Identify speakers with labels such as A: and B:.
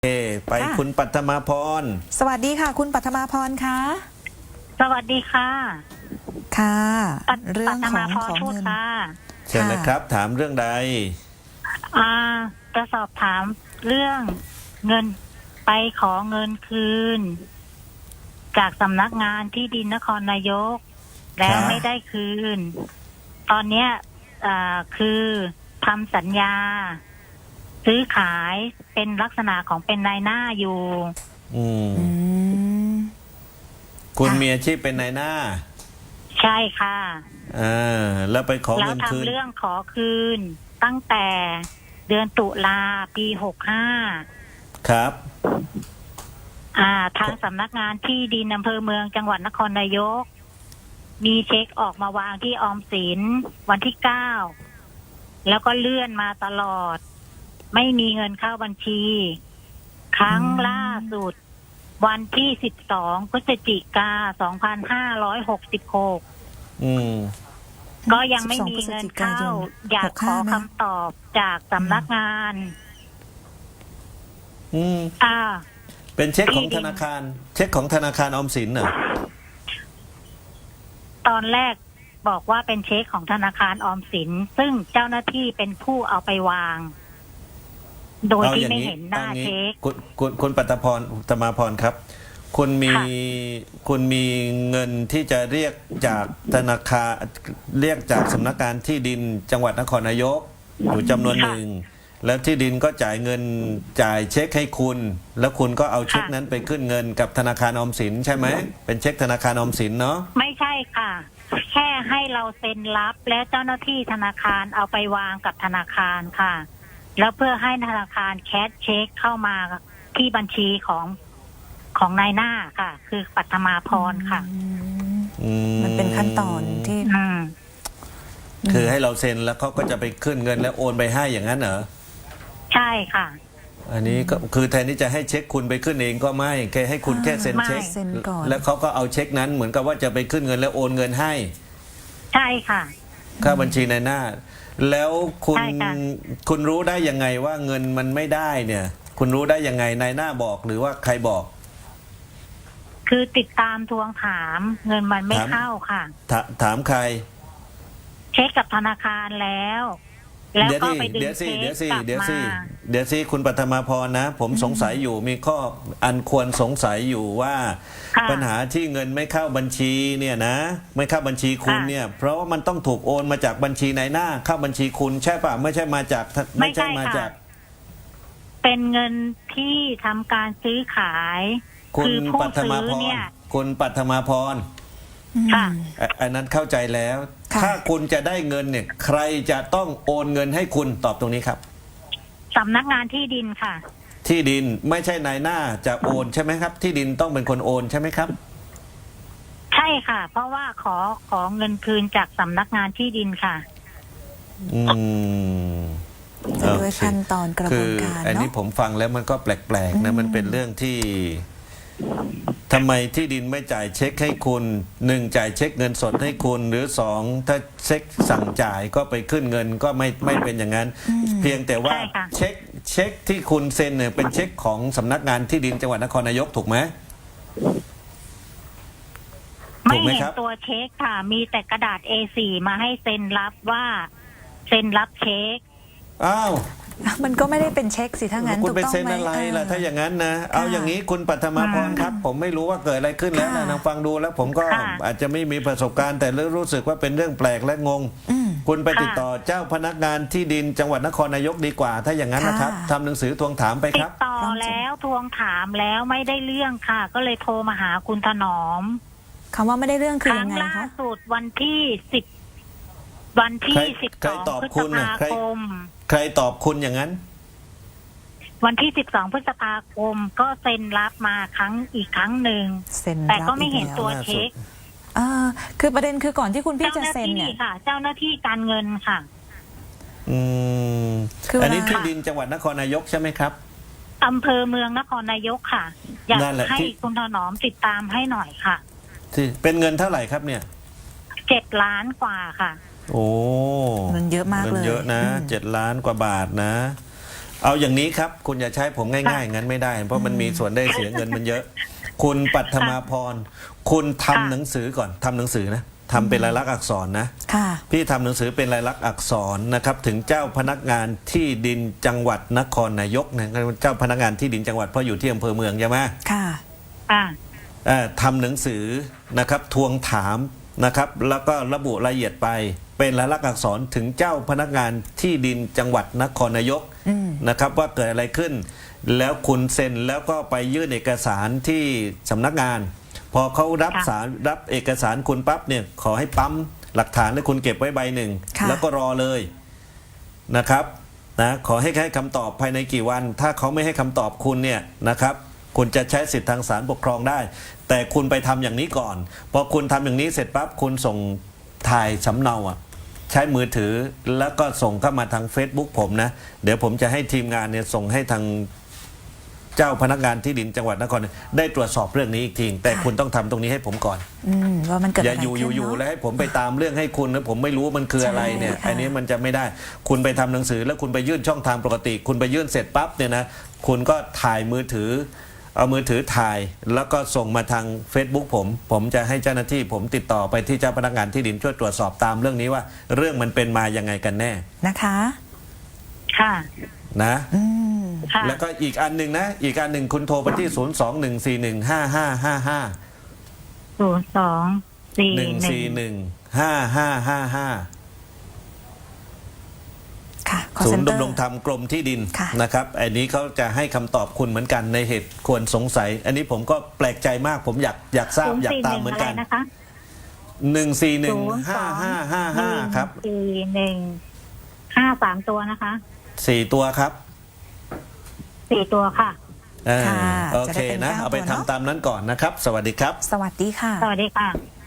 A: ไปคุณปัทมาพร
B: สวัสดีค่ะคุณปัทมาพรคะ
C: สวัสดีค่ะ
B: ค่ะ
C: เรื่องของเงิน
A: เชิญนะครับถามเรื่องใด
C: จะสอบถามเรื่องเงินไปขอเงินคืนจากสำนักงานที่ดินนครนายกแล้วไม่ได้คืนตอนเนี้ยคือทำสัญญาซื้อขายเป็นลักษณะของเป็นนายหน้าอยู่
A: คุณมีอาชีพเป็นนายหน้า
C: ใช่ค่ะ
A: แล้วไปขอเงินคืน
C: แล้วทำเรื่องขอคืนตั้งแต่เดือนตุลาปี65
A: ครับ
C: ทางสำนักงานที่ดินอำเภอเมืองจังหวัดนครนายกมีเช็คออกมาวางที่ออมสินวันที่9แล้วก็เลื่อนมาตลอดไม่มีเงินเข้าบัญชีครั้งล่าสุดวันที่12 พฤศจิกายน 2566ก็ยังไม่มีเงินเข้าอยากขอคำตอบจากสำนักงาน
A: เป็นเช็คของธนาคารเช็คของธนาคารออมสินเหรอ
C: ตอนแรกบอกว่าเป็นเช็คของธนาคารออมสินซึ่งเจ้าหน้าที่เป็นผู้เอาไปวางโดยที่ไม่เห็นหน้าเช็ค
A: คุณปัทมาพรครับคุณมีเงินที่จะเรียกจากธนาคารเรียกจากสำนักงานที่ดินจังหวัดนครนายกอยู่จำนวนหนึ่งแล้วที่ดินก็จ่ายเงินจ่ายเช็คให้คุณแล้วคุณก็เอาเช็คนั้นไปขึ้นเงินกับธนาคารออมสินใช่ไหมเป็นเช็คธนาคารออมสินเนาะ
C: ไม่ใช่ค่ะแค่ให้เราเซ็นรับและเจ้าหน้าที่ธนาคารเอาไปวางกับธนาคารค่ะแล้วเพื่อให้ธนาคารแคชเช็คเข้ามาที่บัญชีของนายหน้าค่ะ คือปัทมาพรค่ะ
B: มันเป็นขั้นตอนที่
A: คือให้เราเซ็นแล้วเขาก็จะไปขึ้นเงินแล้วโอนไปให้อย่างนั้นเหรอ
C: ใช่ค่ะ
A: อันนี้ก็คือแทนที่จะให้เช็คคุณไปขึ้นเองก็ไม่แค่ให้คุณแค่เซ็นเช็คแล้วเขาก็เอาเช็คนั้นเหมือนกับว่าจะไปขึ้นเงินแล้วโอนเงินให้
C: ใช่ค่ะ
A: ค่าบัญชีนายหน้าแล้วคุณรู้ได้ยังไงว่าเงินมันไม่ได้เนี่ยคุณรู้ได้ยังไงนายหน้าบอกหรือว่าใครบอก
C: คือติดตามทวงถามเงินมันไม่เข้าค่ะ
A: ถามใคร
C: เช็คกับธนาคารแล้วก็ไปดึงเช็คกลับมา
A: เดี๋ยวสิคุณปัทมาพรนะผมสงสัยอยู่มีข้ออันควรสงสัยอยู่ว่าปัญหาที่เงินไม่เข้าบัญชีเนี่ยนะไม่เข้าบัญชีคุณเนี่ยเพราะว่ามันต้องถูกโอนมาจากบัญชีนายหน้าเข้าบัญชีคุณใช่ป่ะไม่ใช่มาจาก
C: เป็นเงินที่ทำการซื้อขาย
A: คุณปัทมาพรคุณปัทมาพรอันนั้นเข้าใจแล้วถ้าคุณจะได้เงินเนี่ยใครจะต้องโอนเงินให้คุณตอบตรงนี้ครับ
C: สำนักงานที่ดินค่ะ
A: ที่ดินไม่ใช่นายหน้าจะโอนใช่ไหมครับที่ดินต้องเป็นคนโอนใช่ไหมครับ
C: ใช่ค่ะเพราะว่าขอเงินคืนจากสำนักงานที่ดินค่ะ
B: ด้วยขั้นตอนกระบวนการเนาะ
A: อันนี้ผมฟังแล้วมันก็แปลกๆนะมันเป็นเรื่องที่ทำไมที่ดินไม่จ่ายเช็คให้คุณ1จ่ายเช็คเงินสดให้คุณหรือ2ถ้าเช็คสั่งจ่ายก็ไปขึ้นเงินก็ไม่เป็นอย่างนั้นเพียงแต่ว่าเช็คที่คุณเซ็นเนี่ยเป็นเช็คของสำนักงานที่ดินจังหวัดนครนายกถูกไหม
C: ไม่เห็นตัวเช็คค่ะมีแต่กระดาษ A4 มาให้เซ็นรับว่าเซ็นรับเช็ค
B: มันก็ไม่ได้เป็นเช็คสิถ้างั้น
A: คุณไปเซ็นอะไรล่ะถ้าอย่างนั้นนะเอาอย่างนี้คุณปัทมาพรครับผมไม่รู้ว่าเกิดอะไรขึ้นแล้วนะฟังดูแล้วผมก็อาจจะไม่มีประสบการณ์แต่รู้สึกว่าเป็นเรื่องแปลกและงงคุณไปติดต่อเจ้าพนักงานที่ดินจังหวัดนครนายกดีกว่าถ้าอย่างนั้นนะครับทำหนังสือทวงถามไปครับ
C: ติดต่อแล้วทวงถามแล้วไม่ได้เรื่องค่ะก็เลยโทรมาหาคุณถนอม
B: คำว่าไม่ได้เรื่องคือยังไงคะ
C: ครั้งล่าสุดวันที่12 พฤษภาคม
A: ใครตอบคุณอย่างนั้น
C: วันที่12 พฤษภาคมก็เซ็นรับมาอีกครั้งหนึ่งแต่ก็ไม่เห็นตัวเช็ค
B: คือประเด็นคือก่อนที่คุณพี่จะเซ็นเนี่ย
C: เจ้าหน้าที่การเงินค่ะ
A: อันนี้ที่ดินจังหวัดนครนายกใช่ไหมครับ
C: อำเภอเมืองนครนายกค่ะอยากให้คุณถนอมติดตามให้หน่อยค่ะ
A: เป็นเงินเท่าไหร่ครับเนี่ย
C: 7 ล้านกว่าค่ะ
A: โอ้
B: เงินเยอะมากเลย
A: เงินเยอะนะ7 ล้านกว่าบาทนะเอาอย่างนี้ครับ คุณอย่าใช้ผมง่ายๆงั้นไม่ได้ เพราะมันมีส่วนได้เสียเงินมันเยอะ คุณปัทมาพร คุณทำหนังสือก่อนทำหนังสือนะทำเป็นลายลักษณ์อักษรนะ
B: ค่ะ
A: พี่ทำหนังสือเป็นลายลักษณ์อักษรนะครับ ถึงเจ้าพนักงานที่ดินจังหวัดนครนายกนะเจ้าพนักงานที่ดินจังหวัดเพราะอยู่ที่อำเภอเมืองใช่ไหม
B: ค่ะ
C: ค่ะ
A: ทำหนังสือนะครับทวงถามนะครับ แล้วก็ระบุรายละเอียดไป เป็นลายลักษณ์อักษรถึงเจ้าพนักงานที่ดินจังหวัดนครนายกนะครับ ว่าเกิดอะไรขึ้น แล้วคุณเซ็นแล้วก็ไปยื่นเอกสารที่สำนักงาน พอเขารับเอกสารคุณปั๊บเนี่ยขอให้ปั๊มหลักฐานและคุณเก็บไว้ใบหนึ่ง
B: ค่ะ
A: แล้วก็รอเลยนะครับนะขอให้คำตอบภายในกี่วัน ถ้าเขาไม่ให้คำตอบคุณเนี่ยนะครับ คุณจะใช้สิทธิทางศาลปกครองได้ แต่คุณไปทำอย่างนี้ก่อนพอคุณทำอย่างนี้เสร็จปั๊บคุณส่งถ่ายสำเนาอ่ะใช้มือถือแล้วก็ส่งเข้ามาทาง Facebook ผมนะเดี๋ยวผมจะให้ทีมงานเนี่ยส่งให้ทางเจ้าพนักงานที่ดินจังหวัดนครได้ตรวจสอบเรื่องนี้อีกทีแต่คุณต้องทำตรงนี้ให้ผมก่อน
B: ว่ามันเกิด
A: อย่า
B: อะไร
A: อยู่
B: ขึ้น
A: อยู่
B: เนาะ
A: แล้วให้ผมไปตามเรื่องให้คุณแล้วผมไม่รู้มันคืออะไรเนี่ย
B: ใช่ค่ะ
A: อันนี้มันจะไม่ได้ คุณไปทำหนังสือแล้วคุณไปยื่นช่องทางปกติ คุณไปยื่นเสร็จปั๊บเนี่ยนะคุณก็ถ่ายมือถือเอามือถือถ่ายแล้วก็ส่งมาทาง Facebook ผมจะให้เจ้าหน้าที่ผมติดต่อไปที่เจ้าพนักงานที่ดินช่วยตรวจสอบตามเรื่องนี้ว่า เรื่องมันเป็นมายังไงกันแน่
B: นะคะ
C: ค่ะ
A: นะ
C: ค่ะ
A: แล้วก็อีกอันหนึ่งนะอีกอันหนึ่งคุณโทรไปที่ 021415555
C: 02-441-5555
B: ค่ะ call
A: ศูนย์
B: center
A: ดำรงธรรมกรมที่ดิน
B: ค่ะ
A: นะครับอันนี้เขาจะให้คำตอบคุณเหมือนกันในเหตุควรสงสัย อันนี้ผมก็แปลกใจมากผมอยากทราบอยากตามเหมือนกัน
C: นะคะ
A: 1415555ครับ
C: 41-53 ตัวนะคะ
A: 4 ตัวครับ
C: 4 ตัวค่ะ
A: เออ
B: ค่ะ
A: โอ
B: จะ
A: เค
B: ได้เป็น
A: นะ
B: 9
A: เอาไป
B: ตัวเนอะ
A: ทำตามนั้นก่อนนะครับ สวัสดีครับ
B: สวัสดีค่ะ
C: สวัสดีค่ะ